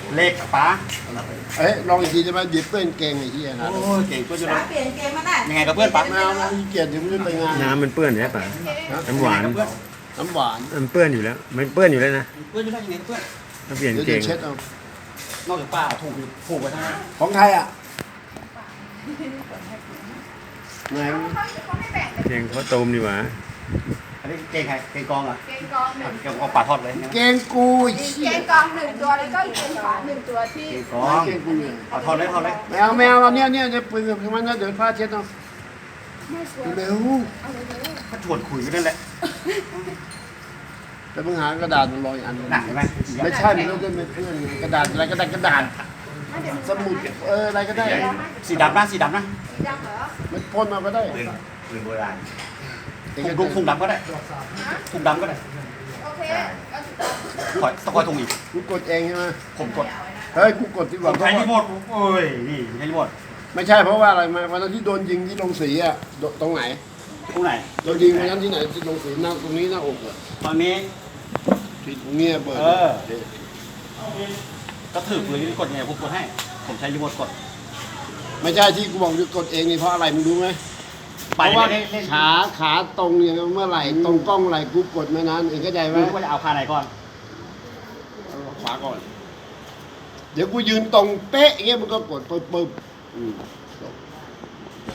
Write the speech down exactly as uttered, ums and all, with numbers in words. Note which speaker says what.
Speaker 1: เล็กป๋า
Speaker 2: เอ้ยลองอีกทีจะมาหยิบเพื่อนเก่งไอ้เหี้ยนะ
Speaker 1: โอ้ยเก่งเพื่อนจะ
Speaker 3: ป๋าเปลี่ยนเกมมาได้
Speaker 1: ยังไงกับเพื่อนป๋า
Speaker 2: ไม่เอานะขี้เกียจเดี๋ยวมึงจะไปงาน
Speaker 4: น้ำมันเปื้อนใช่ปะน้ำหวาน
Speaker 1: เพื่อน
Speaker 2: น้ำหวาน
Speaker 4: มันเปื้อนอยู่แล้วมันเปื้อนอยู่แล้วนะ
Speaker 1: เพื่อนจะได้ยังไงกับเพื่อน
Speaker 4: ถ้าเปลี่ยน
Speaker 2: เดี๋ยว
Speaker 4: เก
Speaker 2: จะ
Speaker 4: ง
Speaker 2: เช็ดเอา
Speaker 1: นอกจากป้าถูกถูกไปทั้งนั้น
Speaker 2: ของใครอ่ะไหน
Speaker 4: เกงเขาตูมดีกว่า
Speaker 1: อันนี้เก่งใครเก่งกองเหรอ
Speaker 5: เกงกองหนึ่ง
Speaker 1: เก่งกองป่าทอดเลย
Speaker 2: เกงกูไอ้
Speaker 5: มี
Speaker 2: เหี้
Speaker 5: เก
Speaker 2: ย
Speaker 5: งกองหนึ่งตัวแล้วก็เกงขวาหนึ่งตัวที่
Speaker 1: เก่งกอง
Speaker 2: เกงกูเนี่ย
Speaker 1: เอาทอดเลยทอดเลย
Speaker 2: ไม่เอาไม่เอาเอาเนี่ยเนี่ยจะปืนกับมันนะเดี๋ยวผ้าเช็ดเอา
Speaker 5: ไม่สวย
Speaker 2: เร็ว
Speaker 5: เอาเลยเลย
Speaker 1: ถ้าชวนคุยกันนั่นแหละ
Speaker 2: แต่มึงหากระดาษมันลอยอันหนึ่ง
Speaker 1: หนักใช่ไหม
Speaker 2: ไม่ใช่มันต้องเป็นเพื่อนไงกระดาษอะไรกระดาษกระดาษสมุดเอออะไรก็ได้
Speaker 1: สีดำนะสีดำนะ
Speaker 5: สีดำเหรอ
Speaker 2: มันพ่นเอาก็ได้
Speaker 1: ปืนปืนโบราณถุงถุงดำก็ได้ถุงดำก็ได้
Speaker 5: โอเคเอาสีดำ
Speaker 1: คอยตะคอยถุงอีก
Speaker 2: กูกดเองใช่ไหม
Speaker 1: ผมกด
Speaker 2: เฮ้ยกูกดที่
Speaker 1: ผ
Speaker 2: ว่าม
Speaker 1: ใช้รีโมทโอ้ยนี่ใช้รีโมท
Speaker 2: ไม่ใช่เพราะว่าอะไรมาวันนั้นที่โดนยิงที่ลงสีอ่ะโดตรงไหน
Speaker 1: ตรงไหน
Speaker 2: โดนยิงวันนั้นที่ไหนที่ลงสีหน้าตรงนี้หน้าอกอ่ะ
Speaker 1: ตอนนี้
Speaker 2: ที่ตรงเนี้ยเปิด
Speaker 1: เออ ก็ถือปืนกดไงผมกดให้ ผมใช้รีโมทกด
Speaker 2: ไม่ใช่ที่กูบอกจะกดเองนี่เพราะอะไรมึงรู้ไหมเพ
Speaker 1: ไป
Speaker 2: ราะว่า
Speaker 1: เล่นเล่น
Speaker 2: ขาขาตรงอย่างเมื่อไหร่ตรงกล้องไหร่กูกดไม่นานเองเข้าใจไหม
Speaker 1: รู้ว่าจะเอาคาไหนก่อน
Speaker 2: ขวาก่อน เดี๋ยวกูยืนตรงเป๊ะอย่างเงี้ยมึงก็กดปึ๊บปึ๊บอืม